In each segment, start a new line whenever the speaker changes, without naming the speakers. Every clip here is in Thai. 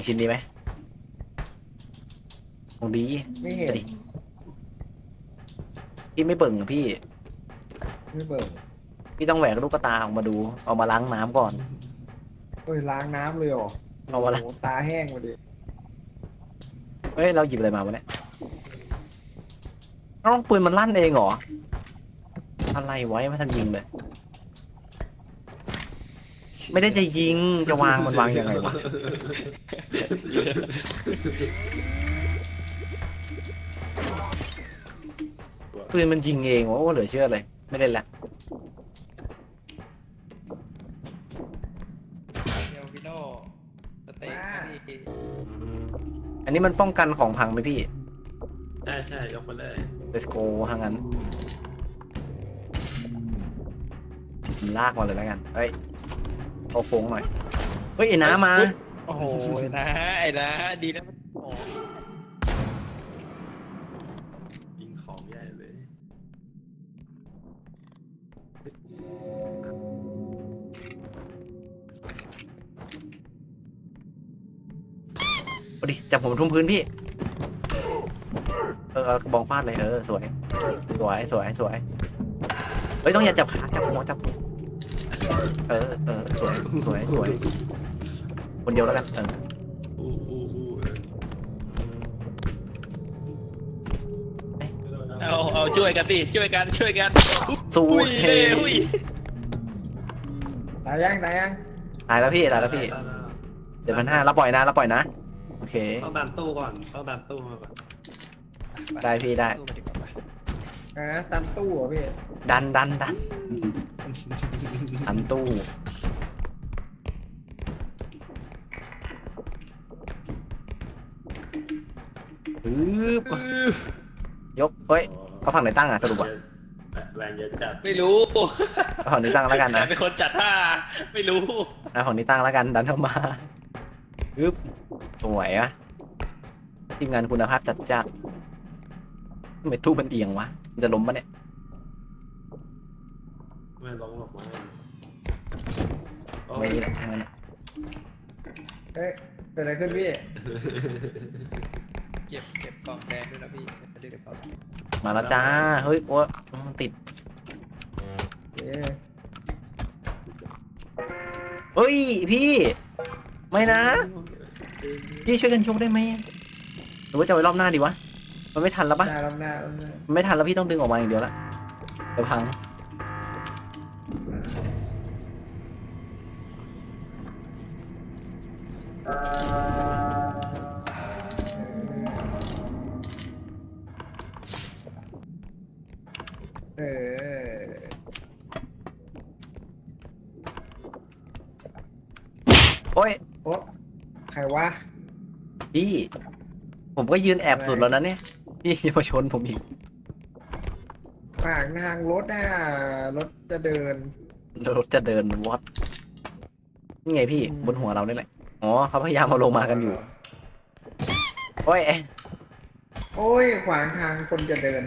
ชิ้นนี้ไหมของดี
ไม่เห็น
ดิพี่ไม่เบิ่งอะพี่
ไม่เบิ่ง
พี่ต้องแหวกลูกตาออกมาดูเอามาล้างน้ำก่อน
เฮ้ยล้างน้ำเลยเหรอโอ้
เอามาละ
โหตาแห้งมาดิ
เฮ้ยเราหยิบอะไรมาวะเนี่ยน้องปืนมันลั่นเองเหรออะไรไว้ไม่ทันยิงเลยไม่ได้จะยิงจะวางมันวางยังไงวะปืนมันยิงเองโอ้เหลือเชื่อเลยไม่เล่นละ
เดี๋ยวพี่โน่สเต็กนะพี่
อันนี้มันป้องกันของพังไหมพี่
ใช่ใช่ยกมาเลย
Let's go ทางนั้นผมลากมาเลยแล้วกันเฮ้ยเอาโค้งหน่อยเฮ้ยไอ้น้ามา
โอ้โหนะไอ้นะดีนะมันโอ้
ยิงของใหญ่เลย
เอาดิจับผมทุ่มพื้นพี่กระบองฟาดเลยสวยสวยสวยสวยเฮ้ยต้องอย่าจับขาจับหัวจับหัวสวยสวยสวยคนเดียวแล้วกัน
อู้
เอาช่วยกันสิช่วยกัน
สู้
อุ้ย
เฮ้
อุ้ย
ตายยังตายยัง
ตายแล้วพี่ตายแล้วพี่เดี๋ยว1,500รับปล่อยนะรับปล่อยนะโอเค
ต้องดันตู้ก่อนต้องดันตู้มาก่อน
ได้พี่ได้
สู้มาดีกว่าปะ
ตามตู้เหรอพี่
ดันดันตู้ปึ๊บยกเฮ้ยเขาฝั่งไหนตั้งอ่ะสรุปอ่ะ
แรงเยอะจัด
ไม่รู้
เอาฝั่งนี้ตั้งแล้วกัน
ใคร
นะ
เป็นคนจัดท่าไม่รู้
เอาฝั่งนี้ตั้งแล้วกันดันเข้ามาปึ๊บสวยอ่ะทีมงานคุณภาพจัดจ้านทำไมตู้มันเอียงวะมันจะล้มปะเนี่ย
ไม่ร้องหรอกมั้ง
ไม่แหละทางนั้น
เอ๊ะเกิดอะไรขึ้นพี่
เก็บกล่องแดงด้วยนะพี่จะได้เก็บกล่อง
มาแล้วจ้าเฮ้ยโอ้มันติด
เอ๊ะ
เฮ้ยพี่ไม่นะพี่ช่วยกันชกได้ไหมหรือว่าจะไว้รอบหน้าดีวะมันไม่ทันแล้วปะ
หน้าลำหน้าลำหน้า
มันไม่ทันแล้วพี่ต้องดึงออกมาอย่างเดียวละเดี๋ยวพัง
เออ
โอ้ย
โอ้ใครวะ
พี่ผมก็ยืนแอบสุดแล้วนะเนี่ยพี่จะมาชนผมอีก
ขวางทางรถน่ะรถจะเดิน
รถจะเดินวัดนี่ไงพี่บนหัวเรานี่แหละอ๋อเขาพยายามเอาลงมากันอยู่โอ้ย
โอ้ยขวางทางคนจะเดิน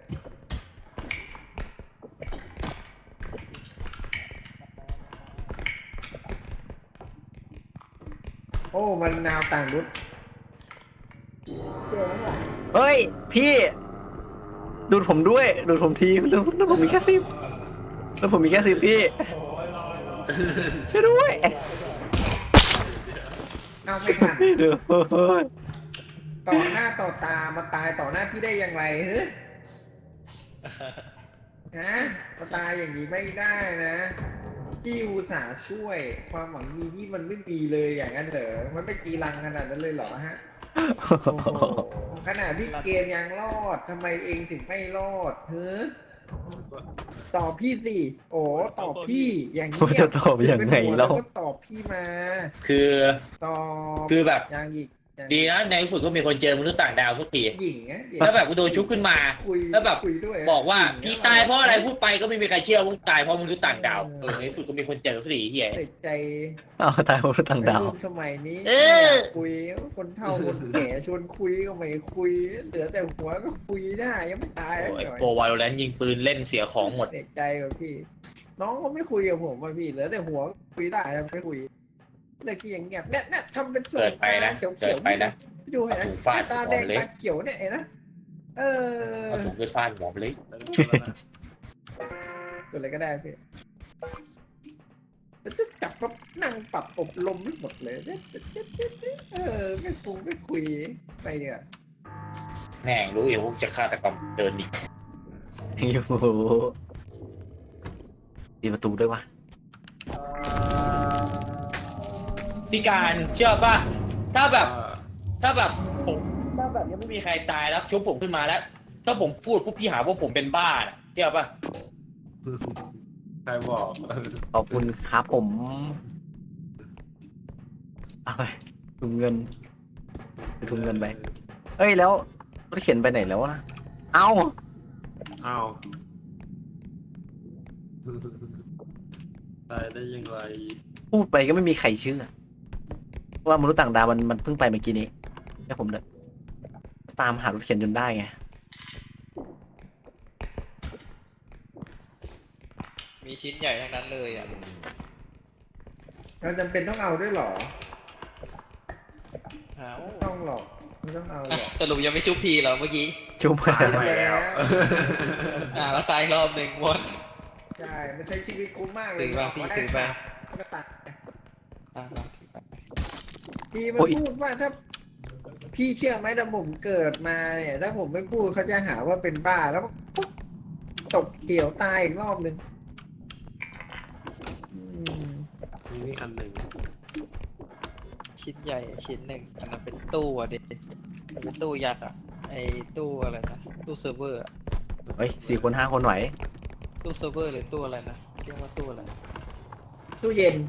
โอ้มันนาวต่างรุด
เฮ้ยพี่ดูดผมด้วยดูดผมทีแล้วผมมีแค่10แล้วผมมีแค่10พี่ช่วยด้วย
เอาไม่ทัน
พี่ดู
ต่อหน้าต่อตามาตายต่อหน้าพี่ได้อย่างไรเฮ้ยฮะมาตายอย่างนี้ไม่ได้นะพี่อุตส่าห์ช่วยความหวังดีที่มันไม่มีเลยอย่างนั้นเหรอมันไม่กีรังขนาดนั้นเลยเหรอฮะโอ้โหขนาดพี่เกมยังรอดทำไมเองถึงไม่รอดเฮ้ยตอบพี่สิโอ้ตอบพี่อย่างนี้
ผมจะตอบยังไง
แล้
แล้ว ว
ก็ตอบพี่มา
คือ
ตอบ
คือแบบ
อย่างอีกอย่าง
ดีนะในที่สุดก็มีคนเจอมนุษย์ต่างดาวสักที
หญิงนะหญิง
แล้วแบบกูโดนชุบขึ้นมา
คุย
แล้วแบบ
คุยด้วย
บอกว่า
หญิง
พี่ตายเพราะอะไรพูดไปก็ไม่มีใครเชื่อว่าตายเพราะมนุษย์ต่างดาวในที่สุดก็มีคนเจอสักทีเฮีย
เด็กใจ
เอาตายผมต่างดาว
วัยรุ่นสมัยนี้
เออ
อยากคุยคนเฒ่าคนแก่ชวนคุยก็ไม่คุยเหลือแต่หัวก็คุยได้ยังไม่ตาย
โอ้ย
หน่อย
โปรวาโลแรนต์ยิงปืนเล่นเสียของหมด
เด็กใจกับพี่ น้องก็ไม่คุยกับผมว่าพี่เหลือแต่หัวคุยได้แล้วไม่คุยเลิกที่อย่างเงียบเนี่ยทำเป็นสว
เกิ
ย
ดไปนะ
เขียว
เกิดไปนะ
ดูเห็นไหม
เอาหูฟาด
ตาแดง
หัวเละ
ตาเขียวเนี่ยเห็นนะเออ
เอาถุงขึ้นฟาดหัวไปเลย
ตัวอะไรก็ได้พี่แล้วจะจับปั๊บนั่งปรับอบรมไม่หมดเลยไม่ฟุ้งไม่คุยไปเนี่ย
แม่งรู้เองว่าจะฆาตกรรมเดินดิ
อยู่ปิดประตูด้วยวะ
พี่การเชื่อป่ะถ้าแบบผมถ้าแบบยังไม่มีใครตายแล้วชุบผมขึ้นมาแล้ว ถ้าผมพูดพวกพี่หาว่าผมเป็นบ้าน่ะเชื่อป่ะ
ใครบอก
ขอบคุณครับผมเอาไปถุงเงินไปถุงเงินไปเอ้ยแล้วรถเข็นไปไหนแล้วนะเอ้า
อ้าวตายได้ยังไง
พูดไปก็ไม่มีใครเชื่อว่ามนุษย์ต่างดาวมันเพิ่งไปเมื่อกี้นี้แล้วผมเลยตามหารถเข็นจนได้ไง
มีชิ้นใหญ่ทั้งนั้นเลยอ่ะ
เราจำเป็นต้องเอาด้วยเหรอ
อ้าว
ไม่ต้องหรอกไม่ต้องเอาหรอก
สรุปยังไม่ชุบพีเหรอเมื่อกี้
ชุบมา
ตายไปแล้ว
แล้วตายรอบหนึ่งหมด
ใช่มันใช้ชีวิตคุ้มมากเลย
ถือบ้างพี่ถือบ้าง
ก็ตัด
อ่ะ
พี่มันพูดว่าถ้าพี่เชื่อไหมถ้าผมเกิดมาเนี่ยถ้าผมไม่พูดเขาจะหาว่าเป็นบ้าแล้วปุ๊บตกเกี่ยวตายอีกรอบหนึ่งอืม
นี่อันหนึ่ง
ชิ้นใหญ่ชิ้นหนึ่งอันนั้นเป็นตู้อ่ะดิเป็นตู้ยักษ์อ่ะไอ้ตู้อะไรนะตู้เซิร์ฟเวอร์อะ
เฮ้ย4 คน 5 คนไหว
ตู้เซิร์ฟเวอร์หรือตู้อะไรนะเรียกว่าตู้อะไร
ตู้เย็น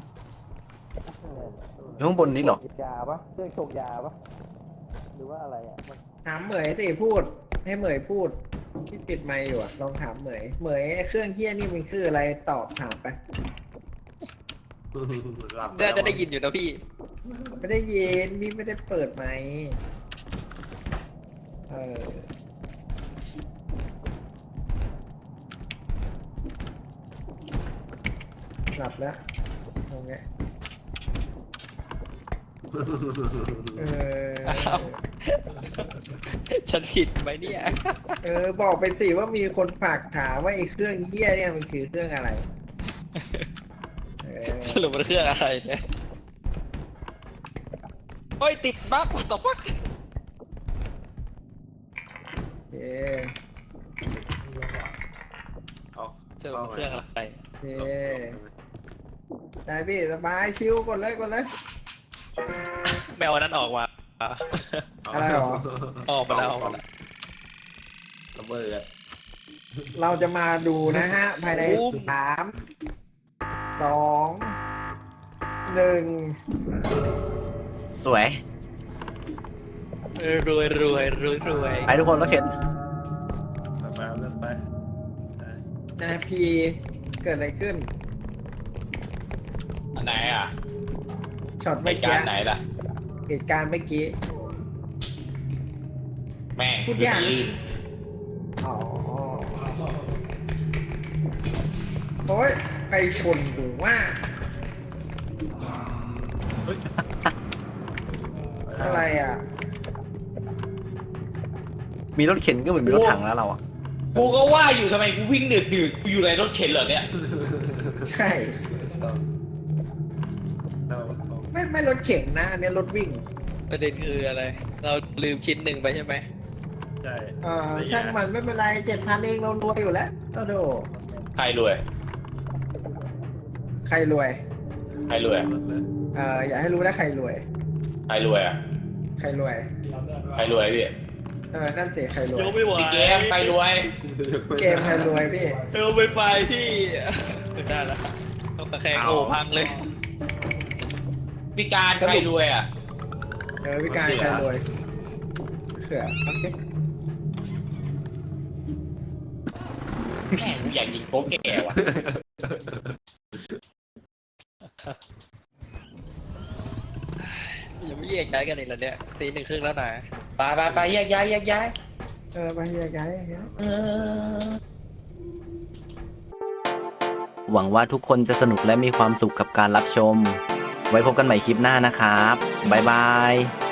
อยู่ข้างบนนี้เหรอย
าปะเครื่องชงยาปะหรือว่าอะไรอ่ะ
ถามเหมยสิพูด ให้เหมยพูดที่ปิดไมค์อยู่อะลองถามเหมยเหมยเครื่องเฮี้ยนี่มันคืออะไรตอบถามไป
หลับ
น่าจะได้ยินอยู่นะพี่
ไม่ได้ยินพี่ไม่ได้เปิดไมค์หลับแล้วตรงเนี้ยเออ
อ้าว ฉันผิดไหมเนี่ย
บอกไปสิว่ามีคนฝากถามว่าไอ้เครื่องเฮี้ยเนี่ยมันคือเครื่องอะไร
สรุปมันเครื่องอะไรเนี่ยโอ้ยติดบั๊กต่อฟัก
โอเค
เอา
สรุปมันเครื่องอะไร
โอเคได้พี่สบายชิวกดเลย
แมวอันนั้นออกมา
อะไรหรอ
ออกมาแล้วออกมาแล้ว
ระเบิด
เราจะมาดูนะฮะ ภายใน
บูม
3 2 1
สวย
รวยรวยรวยรวย
ไปทุกคนรถเข็น
ไปเริ่มไป
นาพีเกิดอะไรขึ้น
อันไหนอ่ะ
ช็อต
เห
เมื่อ
ตุ
กี้
การณ์ไหนล่ะ
เหตุการณ์เมื่อกี้
แม่ง
พูดยาก
ลื่น
อ๋อโอ้ยใครชนหรือว่า อะไรอ่ะ
มีรถเข็นก็เหมือนมีรถถังแล้วเราอะ
กูก็ว่าอยู่ทำไมกูวิ่งดึกกูอยู่ในรถเข็นเหรอเนี่ย
ใช่ ไม่รถเข็นนะอันนี้รถวิ่ง
ประเด็นคืออะไร เราลืมชิ้นหนึ่งไปใช่ไหม
ใช่
ช่างมันไม่เป็นไร7,000เองเรารวยอยู่แล้วโอ้โห
ใครรวย
ใครรวย
ใครรวย
อยากให้รู้นะใครรวย
ใครรวยอ่ะ
ใครรวย
ใครรวยพี่
นั่นสิใครรวย
ยกไม่ไหว
พี่เกมใครรวย
เกมใครรวยพี่
เออไม่ไปพี่ได้แล้วต้องตะแคงโอ้พังเลย
พี่การใครรวยอ่ะ
พี่การใครรวยเขื่อโอเค
แม่งกูอยากยิงโป๊กแกว่ะ
ยังไม่แยกย้ายกันอีกแล้วเนี่ยตี 1:30แล้วนะ
ไปแยกย้าย
ไปแยกย้าย
หวังว่าทุกคนจะสนุกและมีความสุขกับการรับชมไว้พบกันใหม่คลิปหน้านะครับบ๊ายบาย